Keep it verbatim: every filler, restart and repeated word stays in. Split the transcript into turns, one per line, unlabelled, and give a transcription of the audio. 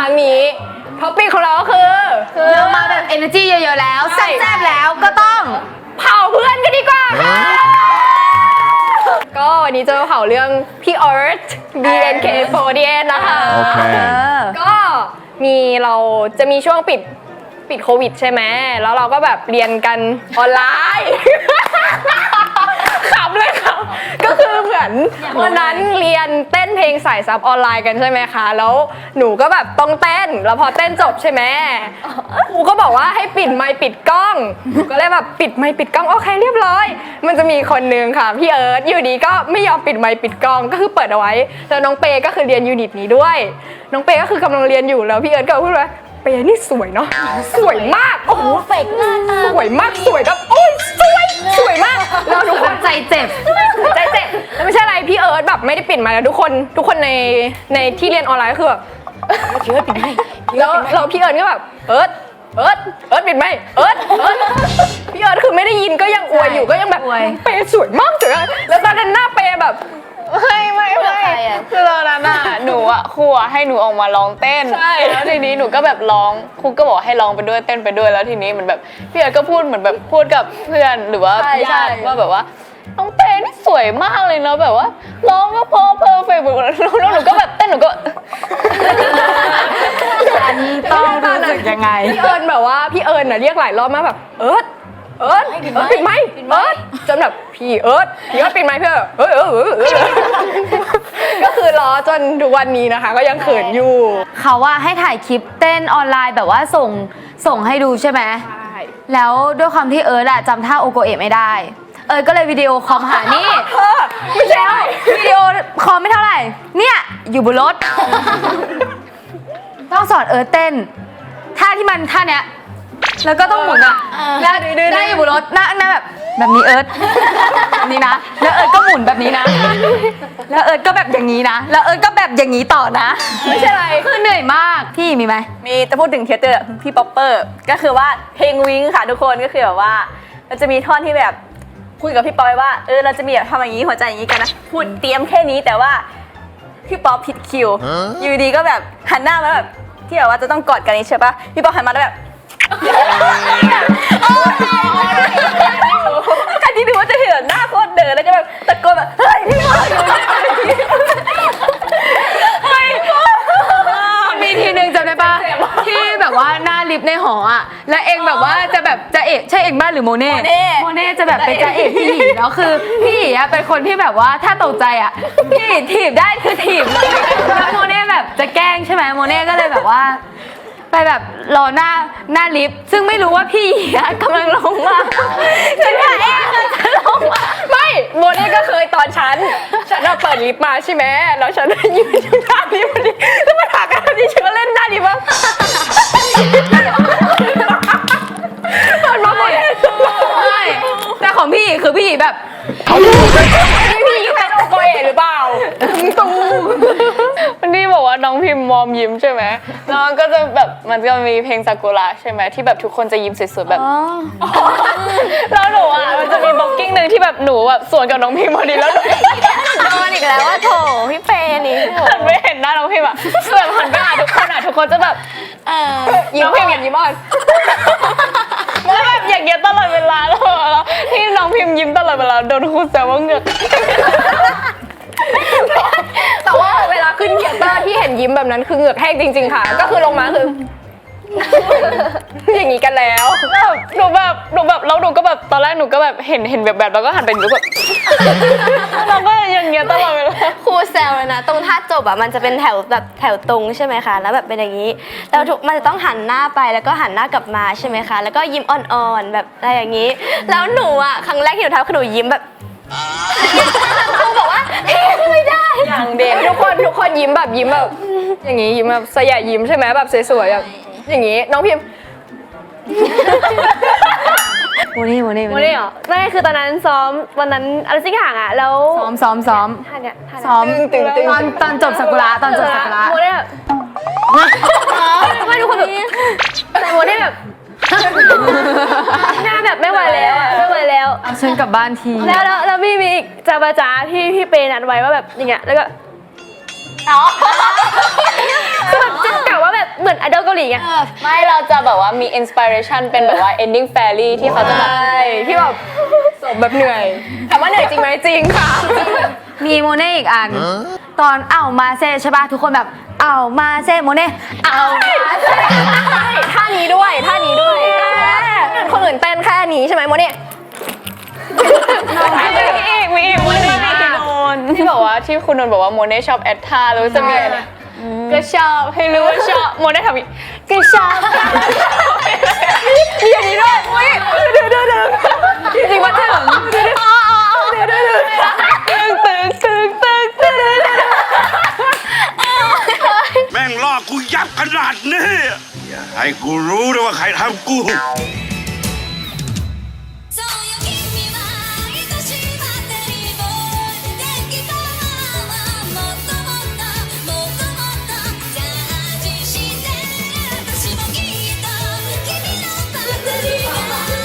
รั้งนี้ท็อปปิ้งของเราก็คือ
เรามาแบบ energy เยอะๆแล้วแซ่บๆแล้วก็ต้อง
เผาเพื่อนกันดีกว่าก็วันนี้จะมาเผาเรื่องพี่เอิร์ธ บี เอ็น เค โฟร์ตี้เอท นะคะโอเคก็มีเราจะมีช่วงปิดปิดโควิดใช่ไหมแล้วเราก็แบบเรียนกันออนไลน์ขับเลยค่ะก็คือเหมือนวันนั้นเรียนเต้นเพลงสายซับออนไลน์กันใช่ไหมคะแล้วหนูก็แบบต้องเต้นแล้วพอเต้นจบใช่ไหมครูก็บอกว่าให้ปิดไมค์ปิดกล้องหนูก็เลยแบบปิดไมค์ปิดกล้องโอเคเรียบร้อยมันจะมีคนนึงค่ะพี่เอิร์ธอยู่ดีก็ไม่ยอมปิดไมค์ปิดกล้องก็คือเปิดเอาไว้แล้วน้องเปก็คือเรียนยูนิตนี้ด้วยน้องเปก็คือกำลังเรียนอยู่แล้วพี่เอิร์ธก็พูดว่าเปนี่สวยเนาะสวยมากโอ้โหเฟกหน้าตาสวยมากสวยแบบโอ้ยสวยสวยมากแล้วทุกคน
ใจเจ็บ
ใจเจ็บแล้วไม่ใช่อะไรพี่เอิร์ธแบบไม่ได้ปิดมาแล้วทุกคนทุกคนในในที่เรียนออนไลน์ก็คือแบบพี่เอิร์ธปิดไหมแล้วเราพี่เอิร์ธก็แบบเอิร์ธเอิร์ธเอิร์ธปิดไหมเอิร์ธเอิร์ธพี่เอิร์ธคือไม่ได้ยินก็ยังอวยอยู่ก็ยังแบบเปสวยมากสวยแล้วตอนนั้นหน้าเปแบบ
ไม่ไม่ไม่คือตอนนั้นอ่ะหนูอ่ะครูให้หนูออกมาร้องเต้นแล้วทีนี้หนูก็แบบร้องครูก็บอกให้ร้องไปด้วยเต้นไปด้วยแล้วทีนี้เหมือนแบบพี่เอิร์ธก็พูดเหมือนแบบพูดกับเพื่อนหรือว่าญาติว่าแบบว่าน้องเปย์นี่สวยมากเลยเนาะแบบว่าร้องก็พอเพอร์เฟกต์หมดแล้วหนูก็แบบเต้นหนูก็
อันนี้ต้องรู้สึกยังไง
พี่เอิญแบบว่าพี่เอิญน่ะเรียกหลายรอบมากแบบเอิร์ธเอิร์ธเอิร์ธปิดไมค์เอิร์ธจนแบบพี่เอิร์ธพี่เอิร์ธปิดไมค์เพื่อเออเออเออก็คือรอจนทุกวันนี้นะคะก็ยังเขินอยู่
เขาว่าให้ถ่ายคลิปเต้นออนไลน์แบบว่าส่งส่งให้ดูใช่ไหมใช่แล้วด้วยความที่เอิร์ธอะจำท่าโอโกเอะไม่ได้เอิร์ธก็เลยวิดีโอคอลหานี่
ไม่ใช่
วิดีโอคอลไม่เท่าไหร่เนี่ยอยู่บนรถต้องสอนเอิร์ธเต้นท่าที่มันท่าเนี้ยแล้วก็ต้องหมุนอ่ะแล้วนั่งอยู่บนรถนั่งนั่งแบบแบบนี้เอิร์ธนี่นะแล้วเอิร์ธก็หมุนแบบนี้นะแล้วเอิร์ธก็แบบอย่างนี้นะแล้วเอิร์ธก็แบบอย่างนี้ต่อนะ
ไม่ใช่อะไร
คือเหนื่อยมากพี่มีไหม
มีจะพูดถึงเทเตอร์พี่ป๊อปเปอร์ก็คือว่าเพลงวิงค่ะทุกคนก็คือแบบว่ามันจะมีท่อนที่แบบพูดกับพี่ป๊อปว่าเออเราจะมีแบบทำอย่างนี้หัวใจอย่างนี้กันนะพูดเตรียมแค่นี้แต่ว่าพี่ป๊อปผิดคิวอยู่ดีก็แบบหันหน้ามาแบบที่แบบว่าจะต้องกอดกันนี้ใช่ปะพี่ป๊อปหันมาแล้วแบบการที่ดูว่าจะเห็นหน้าโคตรเดินแล้วก็แบบตะโกนแบบเฮ้ยพี่ป๊อปอยู่
มีทีนึงจำได้ปะที่แบบว่าหน้าลิฟต์ในหออ่ะแล้วเองแบบว่าจะแบบจะเอกใช่เองบ้านหรือโมเน่โมเน่จะแบบเป็นจะเอกพี่หยีแล้วคือพี่หยีอ่ะเป็นคนที่แบบว่าถ้าตกใจอ่ะพี่หยีถีบได้คือถีบเลยแล้วโมเน่แบบจะแกล้งใช่ไหมโมเน่ก็เลยแบบว่าไปแบบรอหน้าหน้าลิฟต์ซึ่งไม่รู้ว่าพี่กำลังลงมาฉันค่ะเองจะลงมา
ไม่โมเน่ก็เคยตอนฉันฉันเปิดลิฟต์มาใช่ไหมแล้วฉันยืนอยู่หน้าลิฟต์พอดีแล้วมาถามกันที่ฉันก็เล่นหน้าลิฟต์ว่าตอนมาโมเน่
ไม่แต่ของพี่คือพี่แบบ
พี่เป็นโอโกเอะหรือเปล่าตู
วันนี้บอกว่าน้องพิมพ์มอมยิ้มใช่ไหมน้องก็จะแบบมันจะมีเพลงซากุระใช่ไหมที่แบบทุกคนจะยิ้มสวยๆแบบแล้วหนูอ่ะมันจะมีบล็อกกิ้งหนึ่งที่แบบหนูแบบสวนกับน้องพิมพ์พอดีแล้ว
โดนอีกแล้วว่าโถพี่เปย์นี่
หันไปเห็นหน้าน้องพิมพ์อ่ะแบบหันไปหาทุกคนอ่ะทุกคนจะแบบ
ยิ้มพิมพ์ยิ้มอ่อน
แล้วแบบอย่างเงี้ยตลอดเวลาแล้วที่น้องพิมพ์ยิ้มตลอดเวลาโดนครูแซวว่าเหงือก
แต่ว่าเวลาขึ้นเกียร์เตอร์ที่เห็นยิ้มแบบนั้นคือเหงือกแห้งจริงๆค่ะก็คือลงมาคืออย่างนี้กันแล้ว
หนูแบบหนูแบบแล้วหนูก็แบบตอนแรกหนูก็แบบเห็นเห็นแบบแบบแล้วก็หันไปดูแบบเราก็อย่างเงี้ยตลอดเวลา
ครูแซวเลยนะตรงท่าจบอ่ะมันจะเป็นแถวแบบแถวตรงใช่ไหมคะแล้วแบบเป็นอย่างนี้แล้วทุกมันจะต้องหันหน้าไปแล้วก็หันหน้ากลับมาใช่ไหมคะแล้วก็ยิ้มอ่อนๆแบบอะไรอย่างนี้แล้วหนูอ่ะครั้งแรกที่หนูทำคือหนูยิ้มแบบครูบอกว่าไม่ได้
อย่างเด็กทุกคนทุกคนยิ้มแบบยิ้มแบบอย่างนี้ยิ้มแบบสยายยิ้มใช่ไหมแบบสวยๆแบบอย่างนี้น้องพิมพ์
โมเน่โมเน่
โมเน่เหรอไม่คือตอนนั้นซ้อมวันนั้นอะไรสักอย่างอ่ะแล้ว
ซ้อมซ้อมซ้อม
ท่าเนี้ย
ซ้อมตอนตอนจบซากุระตอนจบซากุระ
โมเน่แบบไม่ทุกคนแบบแต่โมเน่แบบหน้าแบบไม่ไหวแล้วไม่ไหวแล้ว
เอาฉันกลับบ้านที
แล้วแล้วแล้วมีมีอีกจาบาจาที่พี่เปย์นัดไว้ว่าแบบอย่างเงี้ยแล้วก็คือแบบจะกล่าวว่าแบบ
ไอดอลเกาหลีไง
ไม่เราจะแบบว่ามีอินสปิเรชันเป็นแบบว่า ending fairy ที่เขาจะแบบ
ใช่ที่แบบสมแบบเหนื่อยถามว่าเหนื่อยจริงไหมจริงค่ะ
มีโมเน่อีกอัน ตอนเอามาเซ่ใช่ป่ะทุกคนแบบเอามาเซ่โมเน่เอามาเซ่
ใช่ท่านี้ด้วยท่านี้ด้วยคนอื่นเต้นแค่นี้ใช่ไหมโมเนี่ย
มีอีกมีอีกโมเน่มีคุณนนท์ที่บอกว่าที่คุณนนท์บอกว่าโมเน่ชอบแอดท่าแล้วจะมีอะไรนะก็ชอบให้รู้ว่าชอบโมเน่ทำอีกก็ชอบ
มีอย่างนี้ด้วยอุ้ยเดี๋ยวเดี๋ยวเดี๋ยวจริงๆว่าถึงเดี๋ยวเดี๋ยวเดี๋ยวเดี๋ยว
ตึงตึงตึงตึงตึง
แม่งลอกกูยับขนาดนี้อย่าให้กูรู้นะว่าใครทำกู